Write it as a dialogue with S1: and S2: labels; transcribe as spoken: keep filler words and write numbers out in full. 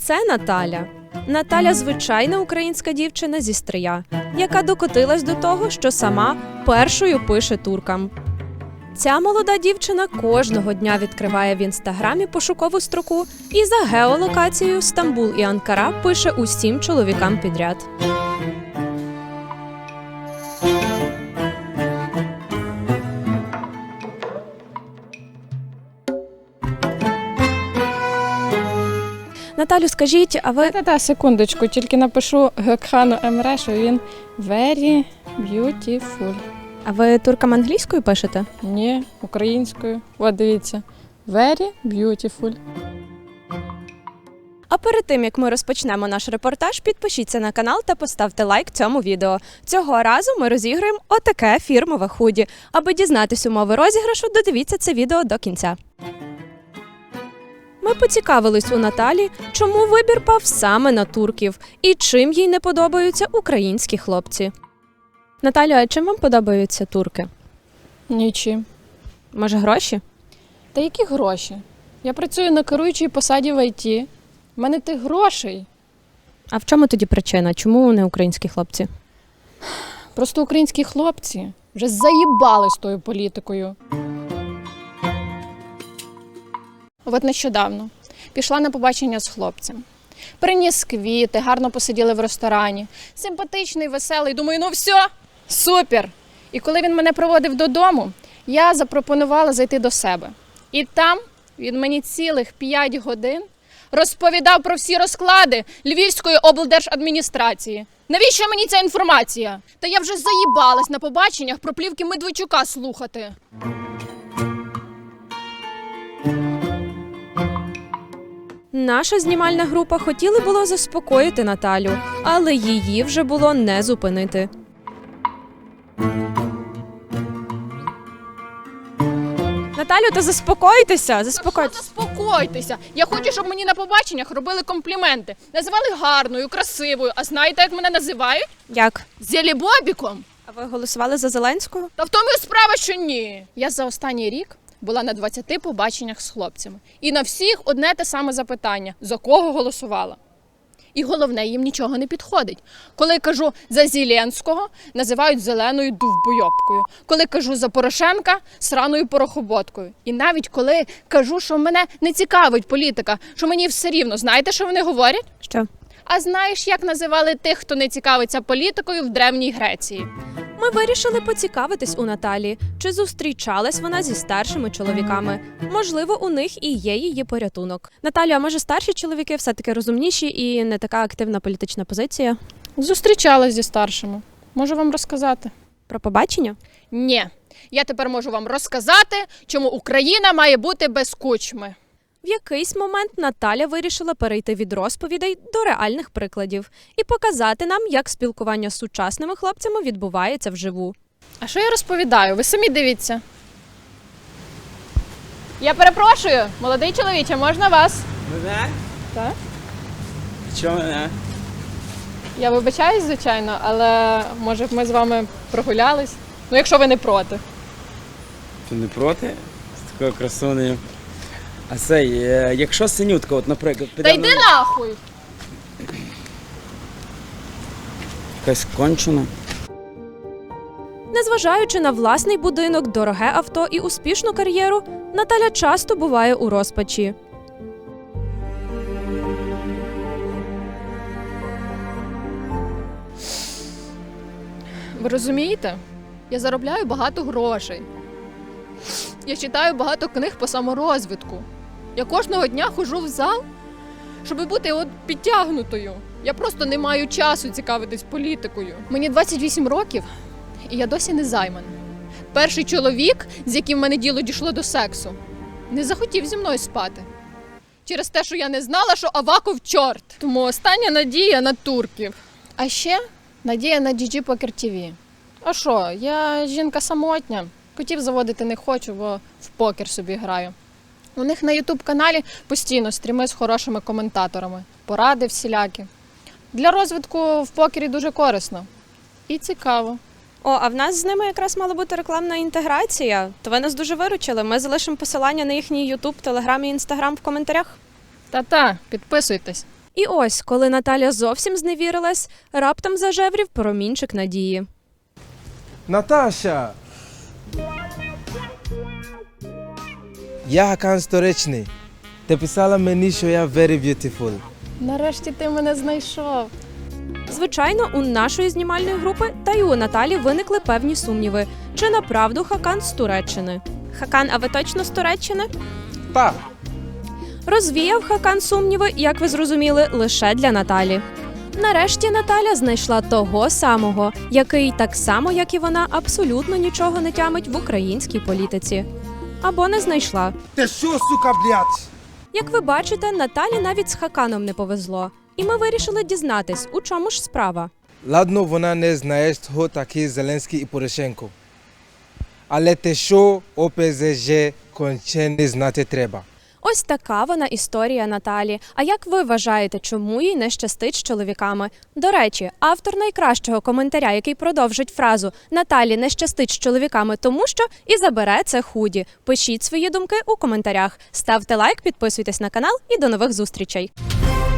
S1: Це Наталя. Наталя – звичайна українська дівчина зі Стрия, яка докотилась до того, що сама першою пише туркам. Ця молода дівчина кожного дня відкриває в інстаграмі пошукову строку і за геолокацією Стамбул і Анкара пише усім чоловікам підряд. Наталю, скажіть, а ви…
S2: Та-та, секундочку, тільки напишу Гекхану Емре, що він very beautiful.
S1: А ви туркам англійською пишете?
S2: Ні, українською. От дивіться. Very beautiful.
S1: А перед тим, як ми розпочнемо наш репортаж, підпишіться на канал та поставте лайк цьому відео. Цього разу ми розіграємо отаке фірмове худі. Аби дізнатись умови розіграшу, додивіться це відео до кінця. Ми поцікавились у Наталі, чому вибір пав саме на турків і чим їй не подобаються українські хлопці. Наталю, а чим вам подобаються турки?
S2: Нічим.
S1: Може, гроші?
S2: Та які гроші? Я працюю на керуючій посаді в ай ті. У мене тих грошей.
S1: А в чому тоді причина? Чому не українські хлопці?
S2: Просто українські хлопці вже заїбали з тою політикою. От нещодавно пішла на побачення з хлопцем. Приніс квіти, гарно посиділи в ресторані. Симпатичний, веселий. Думаю, ну все, супер. І коли він мене проводив додому, я запропонувала зайти до себе. І там він мені цілих п'ять годин розповідав про всі розклади Львівської облдержадміністрації. Навіщо мені ця інформація? Та я вже заїбалась на побаченнях про плівки Медведчука слухати.
S1: Наша знімальна група хотіли було заспокоїти Наталю, але її вже було не зупинити. Наталю, та заспокойтеся, заспокойтеся.
S2: Заспокойтеся. Я хочу, щоб мені на побаченнях робили компліменти. Називали гарною, красивою. А знаєте, як мене називають?
S1: Як?
S2: Зелібобіком.
S1: А ви голосували за Зеленського?
S2: Та в тому і справа, що ні. Я за останній рік була на двадцяти побаченнях з хлопцями. І на всіх одне те саме запитання. За кого голосувала? І головне, їм нічого не підходить. Коли кажу за Зеленського, називають зеленою довбойобкою. Коли кажу за Порошенка, сраною порохоботкою. І навіть коли кажу, що мене не цікавить політика, що мені все рівно, знаєте, що вони говорять?
S1: Що?
S2: А знаєш, як називали тих, хто не цікавиться політикою в Древній Греції?
S1: Ми вирішили поцікавитись у Наталі, чи зустрічалась вона зі старшими чоловіками. Можливо, у них і є її порятунок. Наталю, а може старші чоловіки все-таки розумніші і не така активна політична позиція?
S2: Зустрічалась зі старшими. Можу вам розказати?
S1: Про побачення?
S2: Ні. Я тепер можу вам розказати, чому Україна має бути без кучми.
S1: В якийсь момент Наталя вирішила перейти від розповідей до реальних прикладів і показати нам, як спілкування з сучасними хлопцями відбувається вживу.
S2: А що я розповідаю? Ви самі дивіться. Я перепрошую, молодий чоловіче, можна вас?
S3: Мене?
S2: Так.
S3: Чого мене?
S2: Я вибачаюсь, звичайно, але може б ми з вами прогулялись? Ну, якщо ви не проти.
S3: Ти не проти? З такою красунею. А цей, е, якщо синютка, от, наприклад,
S2: Та
S3: піде
S2: йди
S3: на-
S2: нахуй!
S3: якась кончена.
S1: Незважаючи на власний будинок, дороге авто і успішну кар'єру, Наталя часто буває у розпачі.
S2: Ви розумієте? Я заробляю багато грошей. Я читаю багато книг по саморозвитку. Я кожного дня ходжу в зал, щоб бути от підтягнутою. Я просто не маю часу цікавитись політикою. Мені двадцять вісім років, і я досі не займана. Перший чоловік, з яким в мене діло дійшло до сексу, не захотів зі мною спати. Через те, що я не знала, що Аваков чорт. Тому остання надія на турків. А ще надія на джі джі Poker ті ві. А що, я жінка самотня. Котів заводити не хочу, бо в покер собі граю. У них на ютуб-каналі постійно стріми з хорошими коментаторами, поради всілякі. Для розвитку в покері дуже корисно і цікаво.
S1: О, а в нас з ними якраз мала бути рекламна інтеграція. То ви нас дуже виручили. Ми залишимо посилання на їхній Ютуб, Телеграм і Інстаграм в коментарях.
S2: Та-та, підписуйтесь.
S1: І ось, коли Наталя зовсім зневірилась, раптом зажеврів промінчик надії.
S4: Наташа! Я Хакан з Туреччини. Ти писала мені, що я very beautiful.
S2: Нарешті ти мене знайшов.
S1: Звичайно, у нашої знімальної групи та й у Наталі виникли певні сумніви. Чи направду Хакан з Туреччини? Хакан, а ви точно з Туреччини?
S4: Так.
S1: Розвіяв Хакан сумніви, як ви зрозуміли, лише для Наталі. Нарешті Наталя знайшла того самого, який, так само як і вона, абсолютно нічого не тямить в українській політиці. Або не знайшла.
S4: Ти що, сука, блядь?
S1: Як ви бачите, Наталі навіть з Хаканом не повезло. І ми вирішили дізнатись, у чому ж справа.
S4: Ладно, вона не знає, хто такий Зеленський і Порошенко. Але те, що ОПЗЖ конче знати треба.
S1: Ось така вона історія Наталі. А як ви вважаєте, чому їй не щастить з чоловіками? До речі, автор найкращого коментаря, який продовжить фразу «Наталі не щастить з чоловіками, тому що» і забере це худі. Пишіть свої думки у коментарях. Ставте лайк, підписуйтесь на канал і до нових зустрічей.